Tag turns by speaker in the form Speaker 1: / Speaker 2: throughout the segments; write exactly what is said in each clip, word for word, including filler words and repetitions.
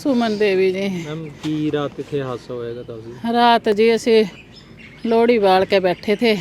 Speaker 1: ਸੁਮਨ ਦੇਵੀ ਜੀ।
Speaker 2: ਮੈਮ ਕੀ ਰਾਤ ਕਿੱਥੇ ਹਾਦਸਾ ਹੋਏਗਾ ਦੱਸ?
Speaker 1: ਰਾਤ ਜੀ ਅਸੀਂ ਲੋਹੜੀ ਬਾਲ ਕੇ ਬੈਠੇ थे,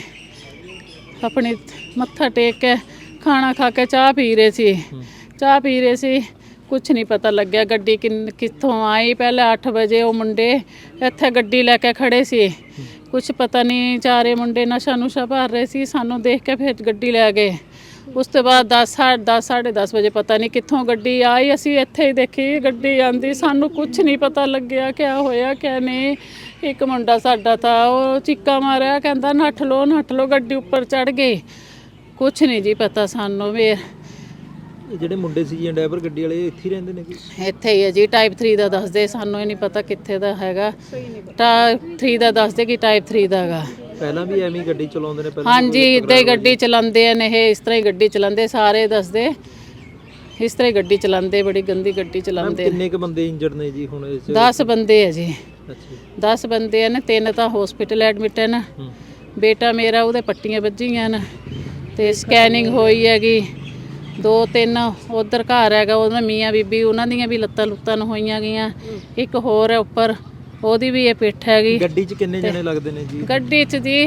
Speaker 1: अपनी मत्था टेक के खाना खा के चाह पी रहे सी चाह पी रहे सी कुछ नहीं पता लग्या गड्डी किन कित्थों आई। पहले अठ बजे वो मुंडे इत्थे गड्डी लैके खड़े सी, कुछ पता नहीं चारे मुंडे नशा नुशा भर रहे सी। सानू देख के फिर गड्डी लै गए। उस तो बाद दस साढ़े दस साढ़े दस बजे पता नहीं कित्थों गड्डी आई, असी इत्थे ही देखी गड्डी आंदी, सानू कुछ नहीं पता लग्या क्या होया क्या नहीं। एक मुंडा साडा था वो चीका मारिया, कहंदा नट्ठ लो नट्ठ लो, गड्डी उपर चढ़ गई। कुछ नहीं जी पता सानू भी।
Speaker 2: ਜਿਹੜੇ ਮੁੰਡੇ ਸੀ ਜੀ ਡਰਾਈਵਰ ਗੱਡੀ ਵਾਲੇ ਇੱਥੇ ਹੀ ਰਹਿੰਦੇ ਨੇ ਕਿ
Speaker 1: ਇੱਥੇ ਹੀ ਹੈ ਜੀ। ਟਾਈਪ ਥ੍ਰੀ ਦਾ ਦੱਸਦੇ, ਸਾਨੂੰ ਇਹ ਨਹੀਂ ਪਤਾ ਕਿੱਥੇ ਦਾ ਹੈਗਾ। ਟਾਈਪ ਥ੍ਰੀ ਦਾ ਦੱਸਦੇ ਕਿ ਟਾਈਪ ਥ੍ਰੀ ਦਾ ਹੈਗਾ।
Speaker 2: ਪਹਿਲਾਂ ਵੀ ਐਵੇਂ ਹੀ ਗੱਡੀ ਚਲਾਉਂਦੇ ਨੇ? ਪਹਿਲਾਂ
Speaker 1: ਹਾਂਜੀ ਇੱਦਾਂ ਹੀ ਗੱਡੀ ਚਲਾਉਂਦੇ ਨੇ ਇਹ, ਇਸ ਤਰ੍ਹਾਂ ਹੀ ਗੱਡੀ ਚਲਾਉਂਦੇ, ਸਾਰੇ ਦੱਸਦੇ ਇਸ ਤਰ੍ਹਾਂ ਹੀ ਗੱਡੀ ਚਲਾਉਂਦੇ, ਬੜੀ ਗੰਦੀ ਗੱਡੀ ਚਲਾਉਂਦੇ।
Speaker 2: ਕਿੰਨੇ ਕੁ ਬੰਦੇ ਇੰਜਰਡ ਨੇ ਜੀ ਹੁਣ ਇਸ?
Speaker 1: ਦਸ ਬੰਦੇ ਹੈ ਜੀ।
Speaker 2: ਅੱਛਾ
Speaker 1: ਦਸ ਬੰਦੇ ਨੇ, ਤਿੰਨ ਤਾਂ ਹਸਪੀਟਲ ਐਡਮਿਟ ਹਨ। ਬੇਟਾ ਮੇਰਾ ਉਹਦੇ ਪੱਟੀਆਂ ਵੱਜੀਆਂ ਨੇ ਤੇ ਸਕੈਨਿੰਗ ਹੋਈ ਹੈਗੀ। ਦੋ ਤਿੰਨ ਉਧਰ ਘਰ ਹੈਗਾ ਉਹਨਾਂ ਮੀਆਂ ਬੀਬੀ, ਉਹਨਾਂ ਦੀਆਂ ਵੀ ਲੱਤਾਂ ਲੁੱਤਾਂ ਹੋਈਆਂ ਗਈਆਂ। ਇੱਕ ਹੋਰ ਹੈ ਉੱਪਰ, ਉਹਦੀ ਵੀ ਇਹ ਪਿੱਠ ਹੈਗੀ।
Speaker 2: ਗੱਡੀ 'ਚ ਕਿੰਨੇ ਜਣੇ ਲੱਗਦੇ ਨੇ ਜੀ?
Speaker 1: ਗੱਡੀ 'ਚ ਜੀ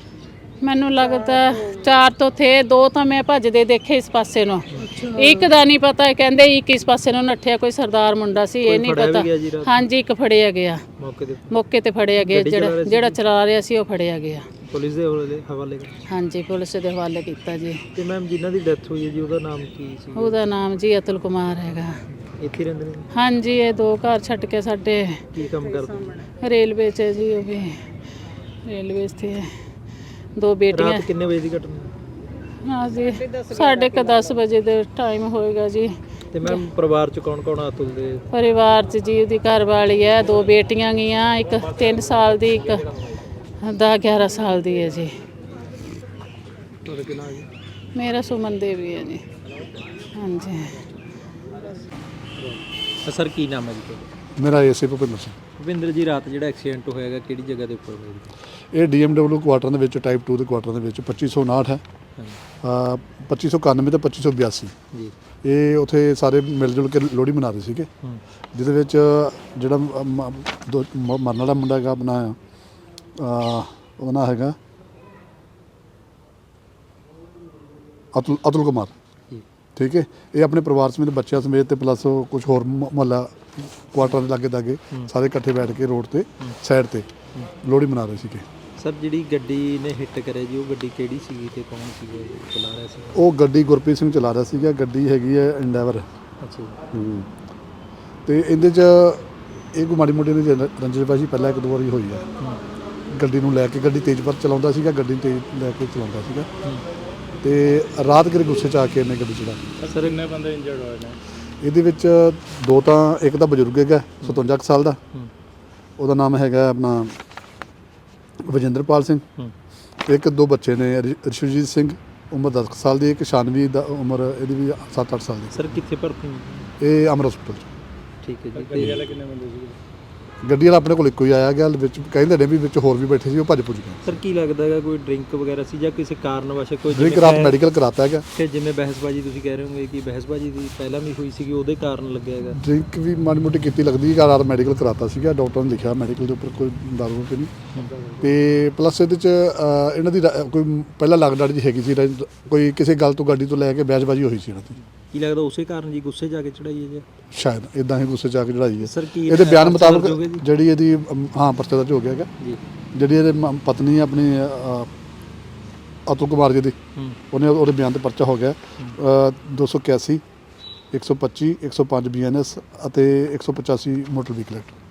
Speaker 1: ਮੈਨੂੰ ਲੱਗਦਾ ਚਾਰ ਤੋਂ ਥੇ, ਦੋ ਤਾਂ ਮੈਂ ਭੱਜਦੇ ਦੇਖੇ ਇਸ ਪਾਸੇ ਨੂੰ, ਇੱਕ ਦਾ ਨਹੀਂ ਪਤਾ। ਕਹਿੰਦੇ ਇੱਕ ਇਸ ਪਾਸੇ ਨੂੰ ਨੱਠਿਆ, ਕੋਈ ਸਰਦਾਰ ਮੁੰਡਾ ਸੀ, ਇਹ ਨਹੀਂ ਪਤਾ। ਹਾਂਜੀ ਇੱਕ ਫੜਿਆ ਗਿਆ ਮੌਕੇ ਤੇ, ਮੌਕੇ ਤੇ ਫੜਿਆ ਗਿਆ। ਜਿਹੜਾ ਜਿਹੜਾ ਚਲਾ ਰਿਹਾ ਸੀ ਉਹ ਫੜਿਆ ਗਿਆ।
Speaker 2: ਪੁਲਿਸ ਦੇ ਹਵਾਲੇ?
Speaker 1: ਹਾਂਜੀ ਪੁਲਿਸ ਦੇ ਹਵਾਲੇ ਕੀਤਾ ਜੀ।
Speaker 2: ਤੇ ਮੈਮ ਜਿਨ੍ਹਾਂ ਦੀ ਡੈਥ ਹੋਈ ਹੈ ਜੀ ਉਹਦਾ ਨਾਮ ਕੀ ਸੀ?
Speaker 1: ਉਹਦਾ ਨਾਮ ਜੀ ਅਤੁਲ ਕੁਮਾਰ ਹੈਗਾ।
Speaker 2: ਇੱਥੇ ਰਹਿੰਦੇ ਨੇ? ਹਾਂਜੀ
Speaker 1: ਇਹ ਦੋ ਘਰ ਛੱਡ ਕੇ ਸਾਡੇ।
Speaker 2: ਕੀ ਕੰਮ ਕਰਦੇ?
Speaker 1: ਰੇਲਵੇ 'ਚ ਜੀ, ਉਹ ਵੀ ਰੇਲਵੇ 'ਤੇ ਹੈ। ਦੋ ਬੇਟੀਆਂ।
Speaker 2: ਰਾਤ ਕਿੰਨੇ ਵਜੇ ਦੀ ਘਟਨਾ?
Speaker 1: ਹਾਂ ਜੀ ਸਾਢੇ ਕੁ ਦਸ ਵਜੇ ਦੇ ਟਾਈਮ ਹੋਏਗਾ ਜੀ।
Speaker 2: ਤੇ ਮੈਮ ਪਰਿਵਾਰ 'ਚ ਕੌਣ ਕੌਣ? ਅਤੁਲ ਦੇ
Speaker 1: ਪਰਿਵਾਰ 'ਚ ਜੀ ਉਹਦੀ ਘਰ ਵਾਲੀ ਹੈ, ਦੋ ਬੇਟੀਆਂ ਗਈਆਂ, ਇੱਕ ਤਿੰਨ ਸਾਲ ਦੀ, ਇੱਕ ਦਸ ਗਿਆਰਾਂ ਸਾਲ ਦੀ ਹੈ ਜੀ।
Speaker 2: ਤੁਹਾਡਾ ਕੀ ਨਾਮ ਹੈ?
Speaker 1: ਮੇਰਾ ਸੁਮਨ ਦੇਵੀ ਹੈ ਜੀ। ਹਾਂਜੀ
Speaker 2: ਸਰ ਕੀ ਨਾਮ ਹੈ ਜੀ ਤੁਹਾਡਾ?
Speaker 3: ਮੇਰਾ ਏਸੇ ਭੁਪਿੰਦਰ ਸਿੰਘ।
Speaker 2: ਭੁਪਿੰਦਰ ਜੀ ਰਾਤ ਜਿਹੜਾ ਐਕਸੀਡੈਂਟ ਹੋਇਆਗਾ ਕਿਹੜੀ ਜਗ੍ਹਾ ਦੇ ਉੱਪਰ ਹੋਇਆ?
Speaker 3: ਇਹ ਡੀ ਐਮ ਡਬਲਿਊ ਕੁਆਟਰ ਦੇ ਵਿੱਚ ਟਾਈਪ ਟੂ ਦੇ ਕੁਆਟਰ ਦੇ ਵਿੱਚ ਪੱਚੀ ਸੌ ਉਨਾਹਠ ਹੈ, ਪੱਚੀ ਸੌ ਇਕਾਨਵੇਂ ਤੇ ਪੱਚੀ ਸੌ ਬਿਆਸੀ। ਜੀ ਇਹ ਉੱਥੇ ਸਾਰੇ ਮਿਲ ਜੁਲ ਕੇ ਲੋਹੜੀ ਮਨਾ ਰਹੇ ਸੀਗੇ, ਜਿਹਦੇ ਵਿੱਚ ਜਿਹੜਾ ਮ- ਦੋ ਮ- ਮਰਨ ਵਾਲਾ ਮੁੰਡਾ ਹੈਗਾ ਆਪਣਾ ਉਹਦਾ ਨਾਂ ਹੈਗਾ ਅਤੁਲ ਅਤੁਲ ਕੁਮਾਰ। ਠੀਕ ਹੈ, ਇਹ ਆਪਣੇ ਪਰਿਵਾਰ ਸਮੇਤ ਬੱਚਿਆਂ ਸਮੇਤ ਤੇ ਪਲੱਸ ਕੁਝ ਹੋਰ ਮੁਹੱਲਾ ਕੁਆਟਰਾਂ ਦੇ ਲਾਗੇ ਦਾਗੇ ਸਾਰੇ ਇਕੱਠੇ ਬੈਠ ਕੇ ਰੋਡ ਤੇ ਸਾਈਡ ਤੇ ਲੋਹੜੀ ਮਨਾ ਰਹੇ ਸੀਗੇ।
Speaker 2: ਸਰ ਜਿਹੜੀ ਗੱਡੀ ਨੇ ਹਿੱਟ ਕਰਿਆ ਜੀ ਉਹ ਗੱਡੀ ਕਿਹੜੀ ਸੀਗੀ ਤੇ ਕੌਣ ਸੀਗਾ ਚਲਾ ਰਿਹਾ ਸੀ?
Speaker 3: ਉਹ ਗੱਡੀ ਗੁਰਪ੍ਰੀਤ ਸਿੰਘ ਚਲਾ ਰਿਹਾ ਸੀਗਾ। ਗੱਡੀ ਹੈਗੀ ਹੈ ਇੰਡੈਵਰ।
Speaker 2: ਅੱਛਾ
Speaker 3: ਜੀ। ਤੇ ਇਹਦੇ 'ਚ ਇਹ ਕੋਈ ਮਾੜੀ ਮੋਟੀ ਦੀ ਰੰਜਨਬਾਜ਼ੀ ਪਹਿਲਾਂ ਇੱਕ ਦੋ ਵਾਰੀ ਹੋਈ ਹੈ। ਗੱਡੀ ਨੂੰ ਲੈ ਕੇ, ਗੱਡੀ ਤੇਜ਼ ਪਰ ਚਲਾਉਂਦਾ ਸੀਗਾ, ਗੱਡੀ ਤੇਜ਼ ਲੈ ਕੇ ਚਲਾਉਂਦਾ ਸੀਗਾ ਤੇ ਰਾਤ ਕਿਰੇ ਗੁੱਸੇ 'ਚ ਆ ਕੇ ਇਹਨੇ ਗੱਡੀ ਚਲਾ।
Speaker 2: ਸਰ ਕਿੰਨੇ ਬੰਦੇ ਇੰਜਰਡ ਹੋਏ ਨੇ
Speaker 3: ਇਹਦੇ ਵਿੱਚ? ਦੋ ਤਾਂ, ਇੱਕ ਤਾਂ ਬਜ਼ੁਰਗ ਹੈਗਾ ਸਤਵੰਜਾ ਕੁ ਸਾਲ ਦਾ, ਉਹਦਾ ਨਾਮ ਹੈਗਾ ਆਪਣਾ ਵਜਿੰਦਰਪਾਲ ਸਿੰਘ। ਇੱਕ ਦੋ ਬੱਚੇ ਨੇ, ਰਿਸ਼ਵਜੀਤ ਸਿੰਘ ਉਮਰ ਦਸ ਸਾਲ ਦੀ, ਇੱਕ ਸ਼ਾਨਵੀ ਦਾ ਉਮਰ ਇਹਦੀ ਵੀ ਸੱਤ ਅੱਠ ਸਾਲ ਦੀ।
Speaker 2: ਸਰ ਕਿੱਥੇ ਭਰਤੀ?
Speaker 3: ਇਹ ਅਮਰ ਹਸਪਤਾਲ 'ਚ।
Speaker 2: ਠੀਕ ਹੈ ਜੀ। ਗੱਡੀ ਵਾਲੇ ਕਿੰਨੇ ਬੰਦੇ ਸੀਗੇ?
Speaker 3: ਗੱਡੀ ਵਾਲਾ ਆਪਣੇ ਕੋਲ ਇੱਕੋ ਹੀ ਆਇਆ ਗਿਆ, ਵਿੱਚ ਕਹਿੰਦੇ ਨੇ ਵੀ ਵਿੱਚ ਹੋਰ ਵੀ ਬੈਠੇ ਸੀ, ਉਹ ਭੱਜ ਪੁੱਜ ਗਏ।
Speaker 2: ਸਰ ਕੀ ਲੱਗਦਾ ਹੈਗਾ ਕੋਈ ਡਰਿੰਕ ਵਗੈਰਾ ਸੀ ਜਾਂ ਕਿਸੇ ਕਾਰਨ ਵਸ਼ ਕੋਈ?
Speaker 3: ਡਰਿੰਕ ਰਾਤ ਮੈਡੀਕਲ ਕਰਾਤਾ ਹੈਗਾ।
Speaker 2: ਤੇ ਜਿਵੇਂ ਬਹਿਸਬਾਜੀ ਤੁਸੀਂ ਕਹਿ ਰਹੇ ਹੋਗੇ ਕਿ ਬਹਿਸਬਾਜੀ ਦੀ ਪਹਿਲਾਂ ਵੀ ਹੋਈ ਸੀਗੀ, ਉਹਦੇ ਕਾਰਨ ਲੱਗਿਆ ਹੈਗਾ?
Speaker 3: ਡਰਿੰਕ ਵੀ ਮਾੜੀ ਮੋਟੀ ਕੀਤੀ ਲੱਗਦੀ ਹੈ। ਰਾਤ ਮੈਡੀਕਲ ਕਰਾਤਾ ਸੀਗਾ, ਡਾਕਟਰ ਨੇ ਲਿਖਿਆ ਮੈਡੀਕਲ ਦੇ ਉੱਪਰ ਕੋਈ ਦਾਰੂ ਤੇ ਨਹੀਂ। ਤੇ ਪਲੱਸ ਇਹਦੇ 'ਚ ਇਹਨਾਂ ਦੀ ਕੋਈ ਪਹਿਲਾਂ ਲੱਗਦਾ ਜੀ ਹੈਗੀ ਸੀ, ਕੋਈ ਕਿਸੇ ਗੱਲ ਤੋਂ ਗੱਡੀ ਤੋਂ ਲੈ ਕੇ ਬਹਿਸਬਾਜੀ ਹੋਈ ਸੀ ਇਹਨਾਂ ਦੀ।
Speaker 2: ਕੀ ਲੱਗਦਾ ਉਸੇ ਕਾਰਨ ਜੀ ਗੁੱਸੇ ਜਾ ਕੇ ਚੜਾਈ ਹੈ ਜੀ?
Speaker 3: ਸ਼ਾਇਦ ਇਦਾਂ ਹੀ ਗੁੱਸੇ ਜਾ ਕੇ ਚੜਾਈ ਹੈ।
Speaker 2: ਸਰ ਕੀ
Speaker 3: ਇਹਦੇ ਬਿਆਨ ਮੁਤਾਬਕ ਜਿਹੜੀ ਇਹਦੀ ਹਾਂ ਪਰਚਾ ਦਰਜ ਹੋ ਗਿਆ ਹੈਗਾ
Speaker 2: ਜੀ। ਜਿਹੜੀ
Speaker 3: ਇਹਦੇ ਪਤਨੀ ਆਪਣੀ ਅਤੁਲ ਕੁਮਾਰ ਜੀ ਦੀ, ਉਹਨੇ ਉਹਦੇ ਬਿਆਨ ਤੇ ਪਰਚਾ ਹੋ ਗਿਆ ਦੋ ਸੌ ਇਕਿਆਸੀ, ਇੱਕ ਸੌ ਪੱਚੀ, ਇੱਕ ਸੌ ਪੰਜ ਬੀ ਐਨ ਐਸ ਅਤੇ ਇੱਕ ਸੌ ਪਚਾਸੀ ਮੋਟਰ ਵਹੀਕਲ ਐਕਟ।